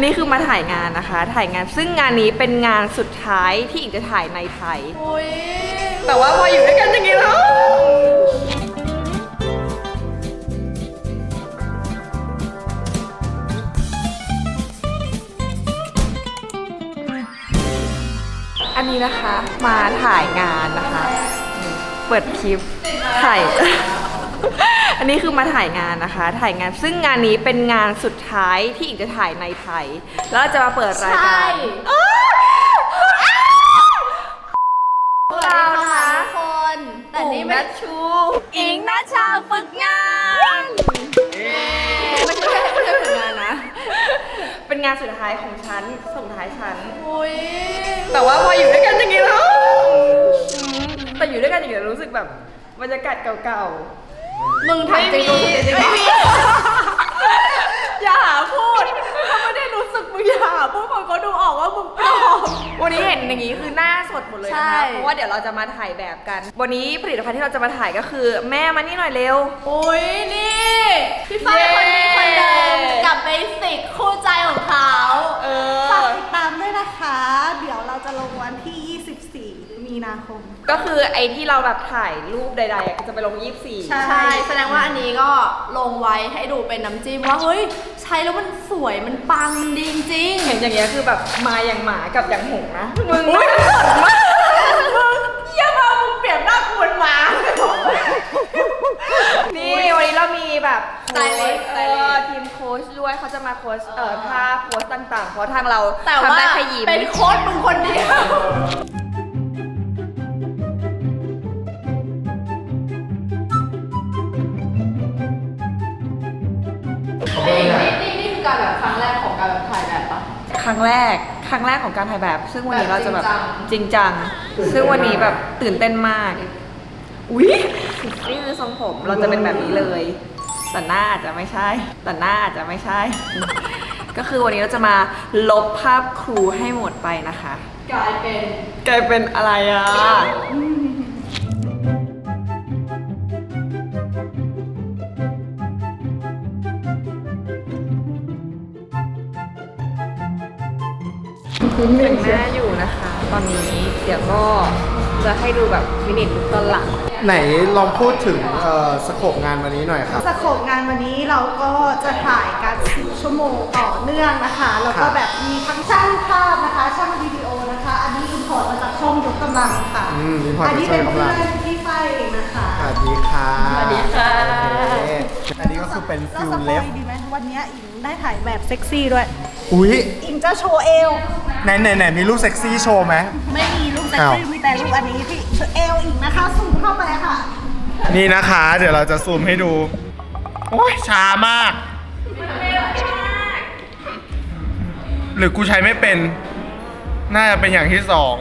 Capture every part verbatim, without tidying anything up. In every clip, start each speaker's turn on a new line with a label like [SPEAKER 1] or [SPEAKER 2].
[SPEAKER 1] นี้คือมาถ่ายงานนะคะถ่ายงานซึ่งงานนี้เป็นงานสุดท้ายที่อิงจะถ่ายในไทยแต่ว่าพออยู่ด้วยกันอย่างนี้แล้วอันนี้นะคะมาถ่ายงานนะคะเปิดคลิปถ่าย อันนี้คือมาถ่ายงานนะคะถ่ายงานซึ่งงานนี้เป็นงานสุดท้ายที่อิงจะถ่ายในไทยแล้วจะมาเปิดรายการเราค่ะคนแต่นี่ไม่ชูอิงนัชชาฝึกงานไม่ใช่ไม่ใช่ฝึกงานนะเป็นงานสุดท้ายของฉันส่งท้ายฉันแต่ว่าพออยู่ด้วยกันอย่างนี้แล้วแต่อยู่ด้วยกันอย่างนี้รู้สึกแบบบรรยากาศเก่าๆมึงทำจริงไม่มีอย่าพูดเขาไม่ได้รู้สึกมึงอย่าพูดคนเขาดูออกว่ามึงปลอมวันนี้เห็นอย่างนี้คือหน้าสดหมดเลยนะคะเพราะว่าเดี๋ยวเราจะมาถ่ายแบบกันวันนี้ผลิตภัณฑ์ที่เราจะมาถ่ายก็คือแม่มานี่หน่อยเร็ว
[SPEAKER 2] โอ้ยนี่พี่ฝ้ายคนนี้คนเดิมกับเบสิกคู่ใจของเขา
[SPEAKER 3] ฝากติดตามด้วยนะคะเดี๋ยวเราจะลงวันที่ยี่สิบสี่มีนาคม
[SPEAKER 1] ก็คือไอ้ที่เราแบบถ่ายรูปใดๆก็จะไปลงยี่สิบสี่
[SPEAKER 2] ใช่แสดงว่าอันนี้ก็ลงไว้ให้ดูเป็นน้ำจิ้มว่าเฮ้ยใช้แล้วมันสวยมันปังมันดีจริง
[SPEAKER 1] เห็นอย่างเงี้ยคือแบบมาอย่างหมากับอย่างหงนะมึงไม่สนมาก
[SPEAKER 2] มึงเยี่ยมมากมึงเปลี่ยนหน้ากูเป็นหมา
[SPEAKER 1] นี่วันนี้เรามีแบบสไตลิสต์ทีมโค้ชด้วยเขาจะมาโค้ชเอ่อท่าโพสต่างๆเพราะทางเราทำได้แค่ยิ้ม
[SPEAKER 2] เป็นโค้ชมึงคนเดียวนี่นี่นี่คือการแบบครั้งแรกของการแบบถ่ายแบบปะ
[SPEAKER 1] ครั้งแรกครั้งแรกของการถ่ายแบบซึ่งวันนี้เราจะแบบจริงจังซึ่งวันนี้แบบตื่นเต้นมากอุ๊ยนี่คือทรงผมเราจะเป็นแบบนี้เลยแต่หน้าอาจจะไม่ใช่แต่หน้าอาจจะไม่ใช่ก็คือวันนี้เราจะมาลบภาพครูให้หมดไปนะคะ
[SPEAKER 2] กลายเป็น
[SPEAKER 1] กลายเป็นอะไรอ่ะแต่งหน้าอยู่นะคะตอนนี้เดี๋ยวก็จะให้ดูแบบฟินิชลุคตอนหลัง
[SPEAKER 4] ไหนลองพูดถึงสโคปงานวันนี้หน่อยครับ
[SPEAKER 3] สโคปงานวันนี้เราก็จะถ่ายกันสิบชั่วโมงต่อเนื่องนะคะแล้วก็แบบมีทั้งช่างภาพนะคะช่างวิดีโอนะคะอันนี้อินพอร์ตมาจากช่องยกกำลังค่ะอันนี้เป็นเพื่อนที่ไฟเองนะคะ
[SPEAKER 4] สวัสดีค่ะ
[SPEAKER 1] สวัสดีค่ะ
[SPEAKER 4] อันนี้ก็คือเป็นฟิลเลฟ
[SPEAKER 3] ดีไหมวันนี้อิงได้ถ่ายแบบเซ็กซี่ด้วย
[SPEAKER 4] อุ้ย
[SPEAKER 3] อิงจะโชว์เอว
[SPEAKER 4] ไหนไหนไหนมีรูปเซ็กซี่โชว์ไหม
[SPEAKER 3] ไม่มีรูปเซ็กซี่มีแต่รูปอันนี้ที่เอวอิงนะคะซูมเข้าไปค่ะ
[SPEAKER 4] นี่นะคะเดี๋ยวเราจะซูมให้ดูโอ้ยช้ามากหรือกูใช้ไม่เป็นน่าจะเป็นอย่างที่สอง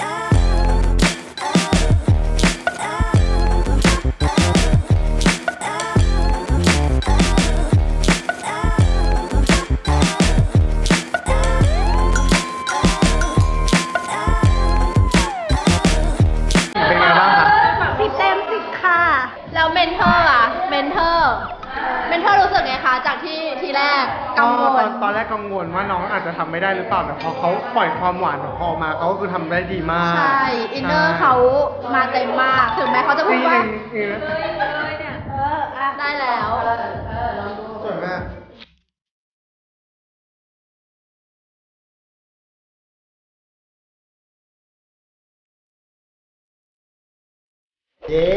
[SPEAKER 2] แล้วเมนเทอร์อะเมนเทอร์เมนเทอร์รู้สึกไงคะจากที่ทีแรกกังวล
[SPEAKER 4] ตอนตอนแรกกังวลว่าน้องอาจจะทำไม่ได้หรือเปล่าแต่พอเขาปล่อยความหวานของเขาออกมาเขาก็คือทำได้ดีมาก
[SPEAKER 2] ใช่อินเนอร์เขามาเต็มมากถึงแม้เขาจะพูดว่าได้แล้ว
[SPEAKER 4] สวยมากเย้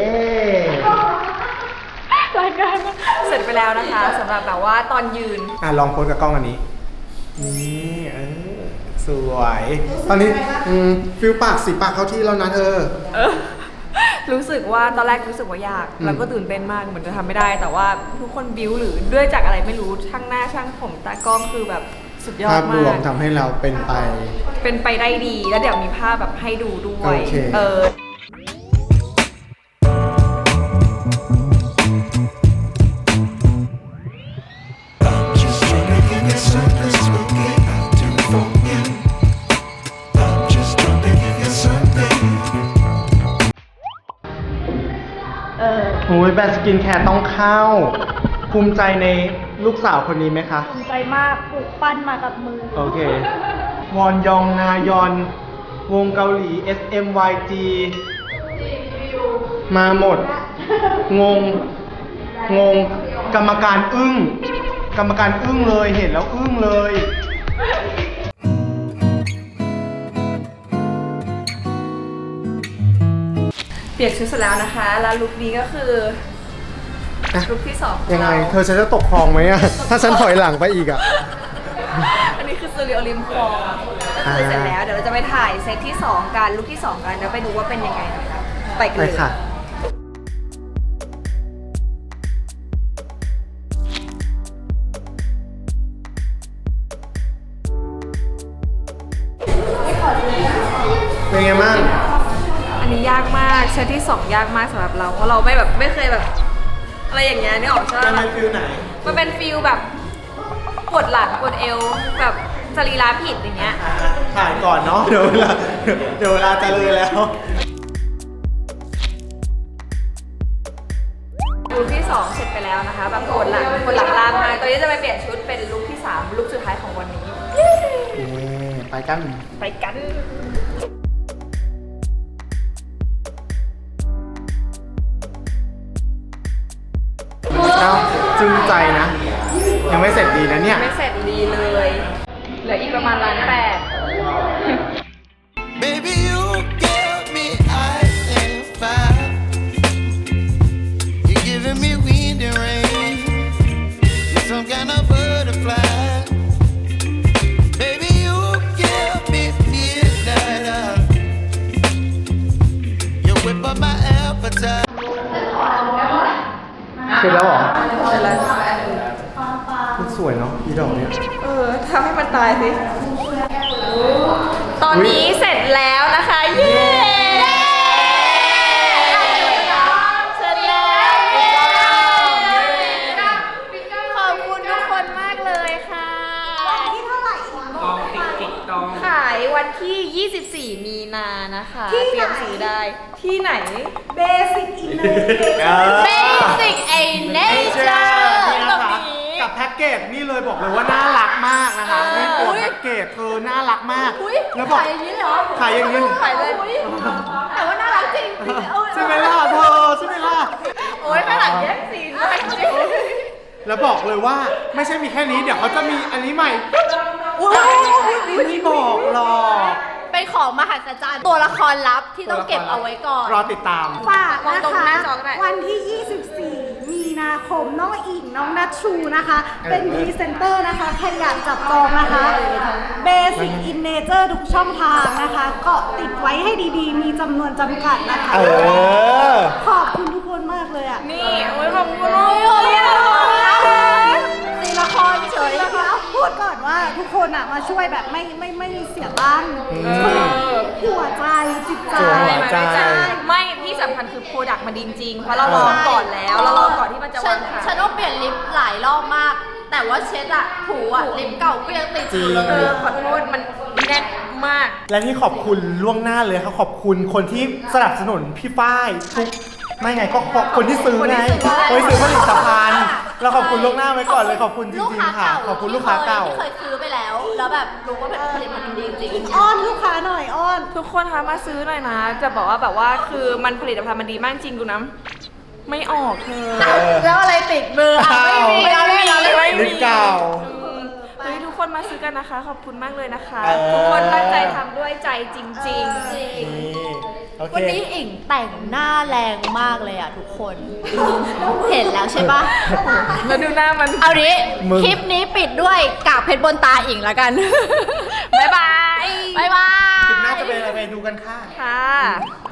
[SPEAKER 1] รายการเสร็จไปแล้วนะคะสำหรับแบบว่าตอนยืน
[SPEAKER 4] อ่ะลองโพสกับกล้องอันนี้นี่เออสวยตอนนี้ฟิลปากสีปากเข้าที่แล้วนะเธอ
[SPEAKER 1] รู้สึกว่าตอนแรกรู้สึกว่ายากแล้วก็ตื่นเต้นมากเหมือนจะทำไม่ได้แต่ว่าทุกคนบิ้วหรือด้วยจากอะไรไม่รู้ช่างหน้าช่างผมตากล้องคือแบบสุดยอดมากภาพ
[SPEAKER 4] รวมทำให้เราเป็นไป
[SPEAKER 1] เป็นไปได้ดีแล้วเดี๋ยวมีภาพแบบให้ดูด้วยเออ
[SPEAKER 4] โอ้ยแบรนด์สกินแคร์ต้องเข้าภูมิใจในลูกสาวคนนี้ไหมคะ
[SPEAKER 3] ภูมิใจมากปลูกปั้นมากับมือ
[SPEAKER 4] โอเค วอนยองนายอน วงเกาหลี เอส เอ็ม วาย จี มาหมด งง งง กรรมการอึ้ง กรรมการอึ้งเลย เห็นแล้วอึ้งเลย
[SPEAKER 1] เปลี่ยนชุดเสร็จแล้วนะคะ แล้วลุคนี้ก็คือลุคที่สองของ
[SPEAKER 4] ยังไง
[SPEAKER 1] เรา
[SPEAKER 4] เธอฉันจะตกคลองไหมอะ ถ้าฉันถอยหลังไปอีกอะ
[SPEAKER 1] อันนี้คือสตูดิโอริมคลองก็คือเสร็จแล้ว เดี๋ยวเราจะไปถ่ายเซตที่สองกันลุคที่สองกันแล้วไปดูว่าเป็นยังไงนะคะไปกัน
[SPEAKER 4] ไป
[SPEAKER 1] เลย
[SPEAKER 4] ค่ะ เป็นไงบ้าง
[SPEAKER 1] อันนี้ยากมากเซตที่สองยากมากสำหรับเราเพราะเราไม่แบบไม่เคยแบบ อะไรอย่างเงี้ยนี่ออกใช่ไหม
[SPEAKER 4] มันเป็นฟิลไหน
[SPEAKER 1] มันเป็นฟิลแบบปวดหลังปวดเอวแบบสรีระผิดอย่างเงี้ย
[SPEAKER 4] ถ่ายก่อนเนาะ เดี๋ยวเวลา เดี๋ยวเวลาจะเลยแล้ว
[SPEAKER 1] ลุคที่สองเสร็จไปแล้วนะคะแบบปวดหลังปวดหลังลามมาตอนนี้จะไปเปลี่ยนชุดเป็นลุคที่สามลุคสุดท้ายของวันนี้
[SPEAKER 4] ไปกัน
[SPEAKER 1] ไปกัน
[SPEAKER 4] เอ้าจึงใจนะ ยังไม่เสร็จดีนะเนี่ย
[SPEAKER 1] ไม่เสร็จดีเลย เหลืออีกประมาณล้านแปด
[SPEAKER 5] Baby, you give me ice and fire. You're giving me wind and rain. You're some kind of butterfly. Baby, you give me midnight oil. You whip up my appetite.
[SPEAKER 4] เสร็จแล้วเหรอ
[SPEAKER 1] เสร็จแล้ว
[SPEAKER 4] มันสวยเนาะอีดอกเนี่ย
[SPEAKER 1] เออทำให้มันตายสิ ตอนนี้เสร็จแล้วนะคะ เย้ เสร็จแล้ว ขอบคุณทุกคนมากเลยค่ะ
[SPEAKER 3] ที่เท่าไหร่
[SPEAKER 1] ขายวันที่ ยี่สิบสี่ มีนานะคะ
[SPEAKER 3] ที่
[SPEAKER 1] เต
[SPEAKER 3] ไหน
[SPEAKER 1] รียมซื้อได้ ที่ไหน
[SPEAKER 3] เบสิกอินเนอร์
[SPEAKER 1] Basic a Nature
[SPEAKER 4] นี่นะคะ กับแพ็กเกจนี่เลยบอกเลยว่าน่ารักมากนะคะนี่ตัวแพ็กเกจเธอน่ารักมาก แล้วบอก
[SPEAKER 1] ขายอย่างนี้เลยเหรอ
[SPEAKER 4] ขายอย่างนี้
[SPEAKER 1] ขายเลย แต่ว่าน่ารักจริง
[SPEAKER 4] ใช่ไหมล่ะเธอใช่ไหมล่ะ
[SPEAKER 1] โอ้ยข้างหลังแย่งซีนมากจริง
[SPEAKER 4] แล้วบอกเลยว่าไม่ใช่มีแค่นี้เดี๋ยวเขาจะมีอันนี้ใหม่ไม่บอกหรอก
[SPEAKER 2] เป็นของมหัศจรรย์ตัวละครลับที่ต้องเก็บเอาไว้ก่อน
[SPEAKER 4] รอติดตาม
[SPEAKER 3] ฝาก
[SPEAKER 1] มอง
[SPEAKER 3] นะ
[SPEAKER 1] ตรง
[SPEAKER 3] คะ
[SPEAKER 1] หน้าจอก็ได้
[SPEAKER 3] วันที่ ยี่สิบสี่ มีนาคม น้องอิง น้องนัทชูนะคะ เป็นพรีเซนเตอร์นะคะ ใครอยากจับจองนะคะ Basic in Nature ทุกช่องทางนะคะ ก็ติดไว้ให้ดีๆ มีจำนวนจำกัดนะคะ
[SPEAKER 4] เออ
[SPEAKER 3] ขอบคุณทุกคนมากเลยอ่ะ
[SPEAKER 1] นี่โอ้ยขอบคุณมาก
[SPEAKER 3] ตีละครเฉยนะคะพูดก่อนว่าทุกคนอ่ะมาช่วยแบบไม่ไม่ไม่เสียตังค์คือหัวใจจิตใจ
[SPEAKER 4] หัวใจ
[SPEAKER 1] ไม่ที่สำคัญคือโปรดักต์มันดีจริงๆเพราะเราลองก่อนแล้ว เราลองก่อนที่มันจะ
[SPEAKER 2] ฉั
[SPEAKER 1] วาน งขาย
[SPEAKER 2] ฉันต้องเปลี่ยนลิปหลายรอบมาก แต่ว่าเช็ดอะถูอะลิปเก่าก็ยังติดอยู่เล
[SPEAKER 1] เอย อขอโทษมันแน่นมาก
[SPEAKER 4] และที่ขอบคุณล่วงหน้าเลยครับขอบคุณคนที่สนับสนุนพี่ฝ้ายทุกไม่ไงก็ขอบคนที่ซื้อไงคนที่ซื้อผลิตภัณฑ์เราขอบคุณล่วงหน้าไว้ก่อนเลยขอบคุณจ
[SPEAKER 2] ลูก
[SPEAKER 4] ริง
[SPEAKER 2] ค้า
[SPEAKER 4] ๆค่ะ
[SPEAKER 2] เก่า
[SPEAKER 4] ขอบคุณลูกค้าเก่า
[SPEAKER 2] ที่เคยซื้อไปแล้ว แล้วแบบรู้ว่าเป็นผลิตภัณฑ์ดีจริงๆ
[SPEAKER 3] อ้อนลูกค้าหน่อยอ้อน
[SPEAKER 1] ทุกคนคะมาซื้อหน่อยนะ จะบอกว่าแบบว่าคือมันผลิตภัณฑ์มันดีมากจริงดูนะไม่ออกเธอ
[SPEAKER 2] แล้วอะไรติดมืออ่ะไม่มี
[SPEAKER 1] ไม่มี
[SPEAKER 2] ไม่มี
[SPEAKER 4] ลิปเก่า
[SPEAKER 1] อืมเฮ้ยทุกคนมาซื้อกันนะคะ ขอบคุณมากเลยนะคะ
[SPEAKER 4] เออ
[SPEAKER 1] ทุกคนตั้งใจทำด้วยใจจริง
[SPEAKER 2] จริง
[SPEAKER 4] นี่โอเค
[SPEAKER 2] วันนี้อิงแต่งหน้าแรงมากเลยอ่ะทุกคน เห็นแล้วใช่ปะ
[SPEAKER 1] ๆ แล้วดูหน้ามัน
[SPEAKER 2] เอาดิ
[SPEAKER 4] มึง
[SPEAKER 2] คลิปนี้ปิดด้วยกากเพชรบนตาอิงแล้วกัน
[SPEAKER 1] บ๊ายบาย
[SPEAKER 2] บ๊ายบาย
[SPEAKER 4] คลิปหน้าจะเป็นอะไรไปดูกันค่ะ
[SPEAKER 1] ค่ะ